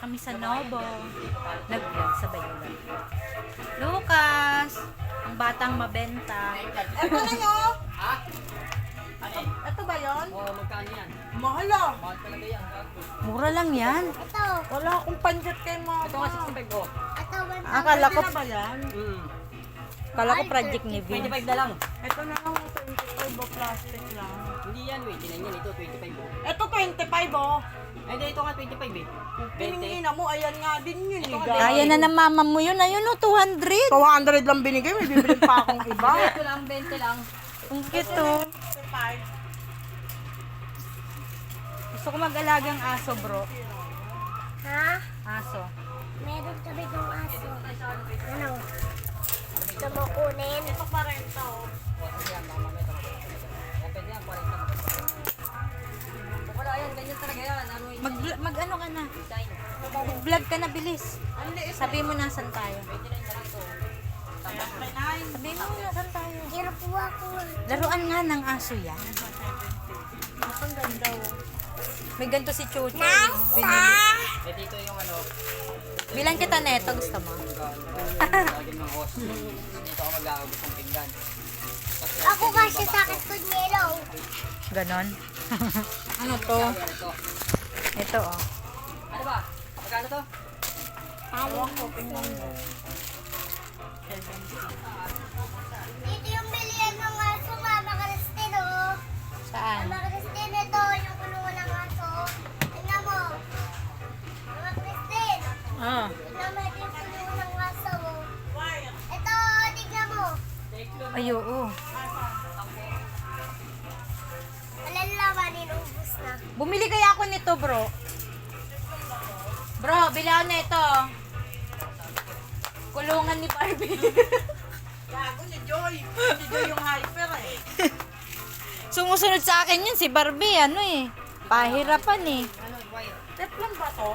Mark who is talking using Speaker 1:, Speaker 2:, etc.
Speaker 1: kami sa Nobo. Nag-vlog sa Bayulan. Lucas, ang batang mabenta.
Speaker 2: Ito na yun.
Speaker 3: Ha? Ano eh?
Speaker 2: Ito ba yun?
Speaker 3: Oo, magkano yan?
Speaker 2: Mahal ah.
Speaker 3: Mahal talaga yan.
Speaker 1: Mura lang yan.
Speaker 4: Ito.
Speaker 2: Wala akong panjat kay mama.
Speaker 3: Ito nga 65 oh.
Speaker 4: Ito.
Speaker 1: Akala ko,
Speaker 2: Pwede na ba yan?
Speaker 1: kala ko project ni Vince.
Speaker 3: 25 na lang.
Speaker 2: Ito na lang 25 o plastic lang.
Speaker 3: Hindi yan, wait. Tinan yan. Ito, 25 oh.
Speaker 2: Ito 25 oh.
Speaker 3: Ay, hindi. Ito nga 25 eh. 20.
Speaker 2: Piningin mo, ayan nga din yun eh.
Speaker 1: Kaya na ng mama mo yun. Ayun o, 200.
Speaker 2: 200 lang binigay, may bibili pa akong iba.
Speaker 3: Ito lang, 20 lang.
Speaker 1: Ang cute oh.
Speaker 2: 25.
Speaker 1: Gusto ko mag-alagang aso, bro.
Speaker 4: Ha?
Speaker 1: Aso.
Speaker 4: Meron kami ng aso. Ano? Gusto mo kunin?
Speaker 2: Ito pa rin to.
Speaker 3: Yan, mama. Ito. Yan, pwede yan. 40. Wala yan. Ganyan talaga yan. Ano yun?
Speaker 1: Mag-ano ka na?
Speaker 3: Design.
Speaker 1: Mag-vlog ka na, bilis.
Speaker 2: Ang liit.
Speaker 1: Sabi mo nasan tayo.
Speaker 3: 29 na lang ito.
Speaker 1: Sabi mo nasan tayo.
Speaker 4: Kira po ako.
Speaker 1: Laruan nga ng aso yan.
Speaker 2: Ang ganda oh.
Speaker 1: May ganito si Chucho.
Speaker 4: Nasa?
Speaker 3: Eh, dito yung ano.
Speaker 1: Bilang kita neto, gusto mo?
Speaker 3: Lagyan ng host. Dito ako mag-aagos ng pinggan. Tapos,
Speaker 4: Ako kasi sakit ko yellow.
Speaker 1: Ganon. Ano to?
Speaker 3: Yan, ito.
Speaker 1: Ito oh.
Speaker 3: Ano ba? Magkano to?
Speaker 2: Ewan ko, tingnan mo.
Speaker 4: Dito yung bilihan ng aso, Mama Christine, oh.
Speaker 1: Saan?
Speaker 4: Mama Christine, ito yung kulungan ng aso. Tingnan mo. Mama Christine,
Speaker 1: Ah.
Speaker 4: tingnan mo ito yung kulungan ng aso, oh. Ito, tingnan mo.
Speaker 1: Ay, oo.
Speaker 4: Malalaman, ubus na.
Speaker 1: Bumili kaya ako nito, bro. Bro, bili ako na ito. Kulungan ni Barbie.
Speaker 2: Gago ni Joy. Si Joy yung hyper eh.
Speaker 1: Sumusunod sa akin yun, si Barbie, ano eh. Pahirapan eh.
Speaker 3: Ano, wire?
Speaker 2: Teflon ba to?